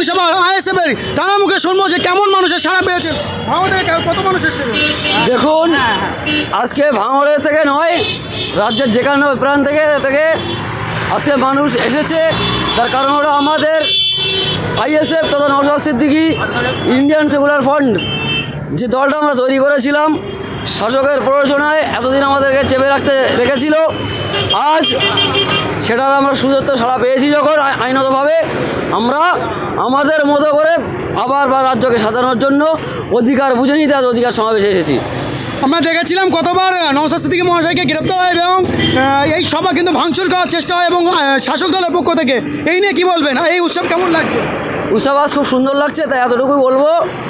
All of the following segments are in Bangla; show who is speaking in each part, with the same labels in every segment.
Speaker 1: বিধানসভা আইএসএফের তারা মুখে শুনবো যে কেমন মানুষের সাড়া পেয়েছেন, ভাঙড়ে কত মানুষ এসেছিল।
Speaker 2: দেখুন, আজকে ভাঙড়ের থেকে নয়, রাজ্যের যেখানে প্রান্ত থেকে আজকে মানুষ এসেছে। তার কারণ হলো আমাদের আইএসএফ তথা Naushad Siddiqui Indian Secular Front যে দলটা আমরা তৈরি করেছিলাম শাসকের প্ররোচনায় এতদিন আমাদেরকে চেপে রেখেছিল, আজ সেটার আমরা সুযোগ সাড়া পেয়েছি যখন আইনতভাবে আমরা আমাদের মতো করে আবার রাজ্যকে সাজানোর জন্য অধিকার বুঝে নিতে আজ অধিকার সমাবেশে এসেছি।
Speaker 1: আমরা দেখেছিলাম কতবার নওশাদ সিদ্দিকী মহাশয়কে গ্রেপ্তার হয় এবং এই সভা কিন্তু ভাঙচুর করার চেষ্টা হয় এবং শাসক দলের পক্ষ থেকে। এই নিয়ে কী বলবেন, এই উৎসব কেমন লাগছে?
Speaker 2: উৎসব আজ খুব সুন্দর লাগছে, তাই এতটুকুই বলবো,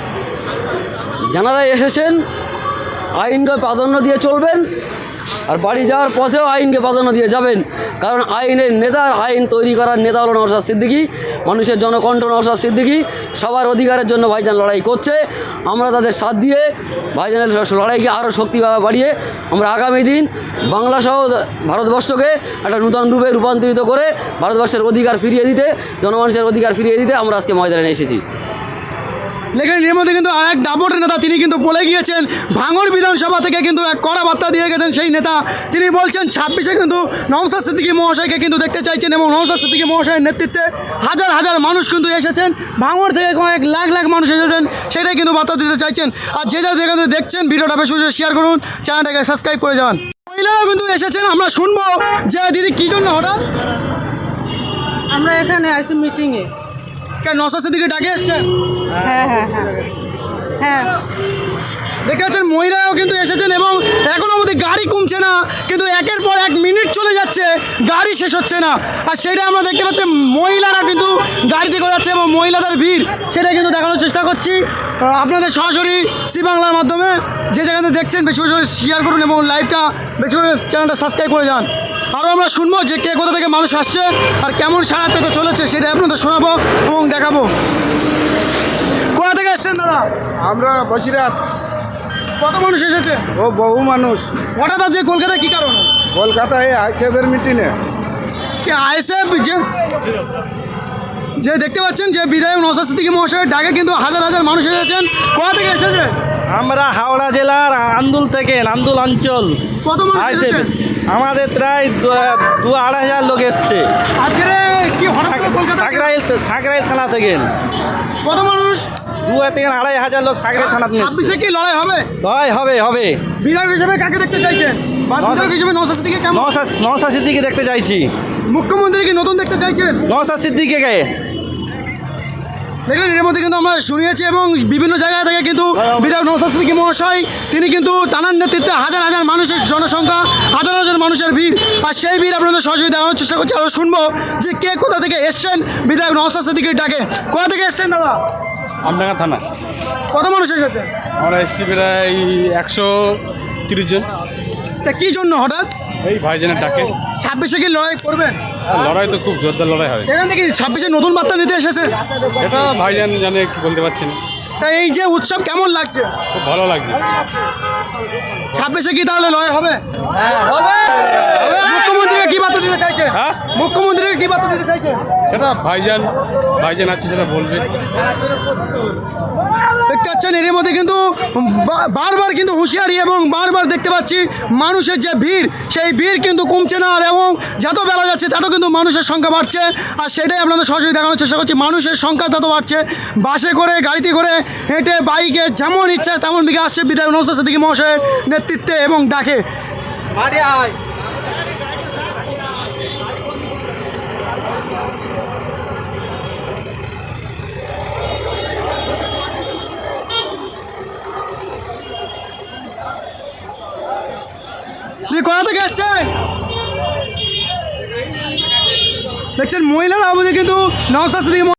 Speaker 2: যারা এসেছেন আইনকে প্রাধান্য দিয়ে চলবেন আর বাড়ি যাওয়ার পথেও আইনকে প্রাধান্য দিয়ে যাবেন, কারণ আইনের নেতার আইন তৈরি করার নেতা হলো নওশাদ সিদ্দিকী, মানুষের জনকণ্ঠ নওশাদ সিদ্দিকী, সবার অধিকারের জন্য ভাইজান লড়াই করছে। আমরা তাদের সাথ দিয়ে ভাইজানের লড়াইকে আরও শক্তিভাবে বাড়িয়ে আমরা আগামী দিন বাংলাসহ ভারতবর্ষকে একটা নূতন রূপে রূপান্তরিত করে ভারতবর্ষের অধিকার ফিরিয়ে দিতে, জনমানুষের অধিকার ফিরিয়ে দিতে আমরা আজকে ময়দানে এসেছি।
Speaker 1: লেখেন এর মধ্যে কিন্তু আর এক দাপটের নেতা তিনি কিন্তু বলে গিয়েছেন, ভাঙড় বিধানসভা থেকে কিন্তু এক কড়া বার্তা দিয়ে গেছেন সেই নেতা। তিনি বলছেন 26-এ কিন্তু নওশাদ সিদ্দিকী মহাশয়কে কিন্তু দেখতে চাইছেন এবং নওশাদ সিদ্দিকী মহাশয়ের নেতৃত্বে হাজার হাজার মানুষ কিন্তু এসেছেন, ভাঙড় থেকে কয়েক লাখ লাখ মানুষ এসেছেন, সেটাই কিন্তু বার্তা দিতে চাইছেন। আর যে যেখানে দেখছেন ভিডিওটা বেশি বেশি শেয়ার করুন, চ্যানেলটাকে সাবস্ক্রাইব করে যান। মহিলারাও কিন্তু এসেছেন, আমরা শুনবো যে দিদি কী জন্য হঠাৎ
Speaker 3: আমরা এখানে আছি মিটিংয়ে।
Speaker 1: নওশাদ সিদ্দিকী ডাকে এসছেন?
Speaker 3: হ্যাঁ হ্যাঁ হ্যাঁ হ্যাঁ,
Speaker 1: দেখতে পাচ্ছেন মহিলারাও কিন্তু এসেছেন এবং এখনও অবধি গাড়ি কমছে না, কিন্তু একের পর এক মিনিট চলে যাচ্ছে, গাড়ি শেষ হচ্ছে না। আর সেটা আমরা দেখতে পাচ্ছি মহিলারা কিন্তু গাড়িতে করে যাচ্ছে এবং মহিলাদের ভিড়, সেটা কিন্তু দেখানোর চেষ্টা করছি আপনাদের সরাসরি সি বাংলার মাধ্যমে। যে যেখানে দেখছেন বেশি বেশি করে শেয়ার করুন এবং লাইভটা বেশি করে চ্যানেলটা সাবস্ক্রাইব করে যান। আরও আমরা শুনবো যে কে কোথা থেকে মানুষ আসছে আর কেমন সাড়া পেতে চলেছে, সেটা আপনাদের শোনাবো এবং দেখাবো। কোথা থেকে এসছেন দাদা?
Speaker 4: আমরা বসিরহাট।
Speaker 1: কত মানুষ এসেছে?
Speaker 4: ও বহু মানুষ।
Speaker 1: হঠাৎ আজকে কলকাতায় কী কারণে?
Speaker 4: কলকাতায় আইসিএফের মিটিংয়ে।
Speaker 1: কি আইএসএফ যে দেখতে পাচ্ছেন যে বিধায়ক নওশাদ সিদ্দিকী মহাশয়ের ডাকে কিন্তু হাজার হাজার মানুষ এসেছেন। কোথা থেকে এসেছে?
Speaker 5: আমরা হাওড়া জেলার আন্দুল থেকে, আন্দুল অঞ্চল।
Speaker 1: কত মানুষ এসেছেন?
Speaker 5: আমাদের প্রায় 2-2,500 লোক এসছে।
Speaker 1: আজকে কি হঠাৎ করে কলকাতা?
Speaker 5: সাঁকরাইল থানা থেকে।
Speaker 1: কত মানুষ?
Speaker 5: 2,000-2,500 লোক সাঁকরাইল থানা থেকে এসছে।
Speaker 1: 26-এ কি লড়াই হবে?
Speaker 5: হবে।
Speaker 1: বিধায়ক হিসেবে কাকে দেখতে চাইছেন? বিধায়ক হিসেবে নওশাদ সিদ্দিকী কেমন?
Speaker 5: নওশাদ সিদ্দিকী দেখতে চাইছি।
Speaker 1: মুখ্যমন্ত্রী কি নতুন দেখতে চাইছেন?
Speaker 5: নওশাদ সিদ্দিকীকে
Speaker 1: দেখলেন, এর মধ্যে কিন্তু আমরা শুনিয়েছি এবং বিভিন্ন জায়গা থেকে কিন্তু বিধায়ক নওশাদ সিদ্দিকী মহাশয় তিনি কিন্তু টানার নেতৃত্বে হাজার হাজার মানুষের জনসংখ্যা, হাজার হাজার মানুষের ভিড়, আর সেই ভিড় আপনাদের সহযোগী দেখানোর চেষ্টা করছি। আরও শুনবো যে কে কোথা থেকে এসছেন বিধায়ক নওশাদ সিদ্দিকীর ডাকে। কোথা থেকে এসছেন দাদা?
Speaker 6: আমডাঙ্গা থানা।
Speaker 1: কত মানুষ এসেছে?
Speaker 6: আমরা এসেছি প্রায় 130 জন।
Speaker 1: তা কী জন্য হঠাৎ?
Speaker 6: এই ভাইজানের ডাকে।
Speaker 1: 26-এ কি লড়াই করবেন?
Speaker 6: লড়াই তো খুব জোরদার লড়াই হবে।
Speaker 1: এখান থেকে 26-এ নতুন বার্তা নিতে এসেছে?
Speaker 6: সেটা ভাইজান জানে, কি বলতে পারছি না।
Speaker 1: তা এই যে উৎসব কেমন লাগছে?
Speaker 6: খুব ভালো লাগছে।
Speaker 1: 26-এ কি তাহলে লড়াই হবে? মুখ্যমন্ত্রীকে কি বার্তা দিতে চাইছেন?
Speaker 6: হ্যাঁ,
Speaker 1: মুখ্যমন্ত্রীকে কি বার্তা দিতে চাইছেন?
Speaker 6: সেটা ভাইজান আছে, সেটা বলবে।
Speaker 1: দেখতে পাচ্ছেন এর মধ্যে কিন্তু বারবার কিন্তু হুঁশিয়ারি এবং বারবার দেখতে পাচ্ছি মানুষের যে ভিড়, সেই ভিড় কিন্তু কমছে না, আর এবং যত বেলা যাচ্ছে তত কিন্তু মানুষের সংখ্যা বাড়ছে। আর সেটাই আপনাদের সরাসরি দেখানোর চেষ্টা করছি, মানুষের সংখ্যা তত বাড়ছে। বাসে করে, গাড়িতে করে, হেঁটে, বাইকে, যেমন ইচ্ছা তেমন দিকে আসছে বিধায়ক নওশাদ সিদ্দিকী মহাশয়ের নেতৃত্বে এবং ডাকে। কোথা থেকে আসছেন? দেখছেন মহিলারা আমাদের কিন্তু নওশাদ সিদ্দিকী